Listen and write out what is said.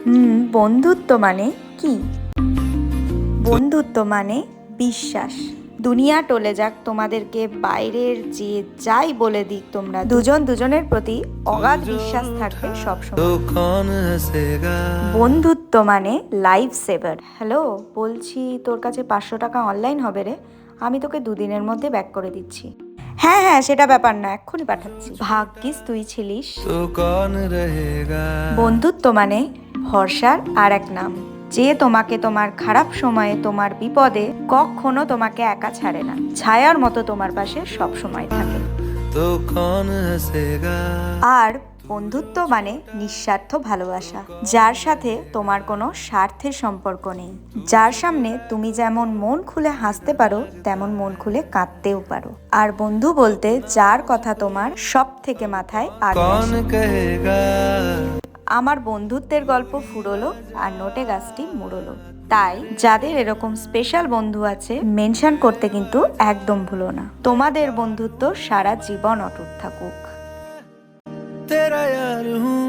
বন্ধুত্ব মানে কি? বন্ধুত্ব মানে বিশ্বাস। দুনিয়া টলে যাক তোমাদেরকে, বাইরের যে যাই বলে দিক, তোমরা দুজন দুজনের প্রতি অগাধ বিশ্বাস থাকবে সবসময়। বন্ধুত্ব মানে লাইফ সেভার। হ্যালো, বলছি তোর কাছে 500 টাকা অনলাইন হবে রে, আমি তোকে 2 দিনের মধ্যে ব্যাক করে দিচ্ছি। হ্যাঁ হ্যাঁ, সেটা ব্যাপার না, এক্ষুনি পাঠাচ্ছি। ভাগ্যিস তুই ছিলিস। বন্ধুত্ব মানে ভরসার আর এক নাম, যে তোমাকে তোমার খারাপ সময়ে, তোমার বিপদে কখনো তোমাকে একা ছাড়ে না, ছায়ার মতো তোমার পাশে সব সময় থাকে। আর বন্ধুত্ব মানে নিঃস্বার্থ ভালোবাসা, যার সাথে তোমার কোনো স্বার্থের সম্পর্ক নেই, যার সামনে তুমি যেমন মন খুলে হাসতে পারো, তেমন মন খুলে কাঁদতেও পারো। আর বন্ধু বলতে যার কথা তোমার সব থেকে মাথায় আগে আসে। আমার বন্ধুত্বের গল্প ফুরোলো আর নোটে গাছটি মুড়লো। তাই যাদের এরকম স্পেশাল বন্ধু আছে, মেনশন করতে কিন্তু একদম ভুলো না। তোমাদের বন্ধুত্ব সারা জীবন অটুট থাকুক। तेरा यार हूँ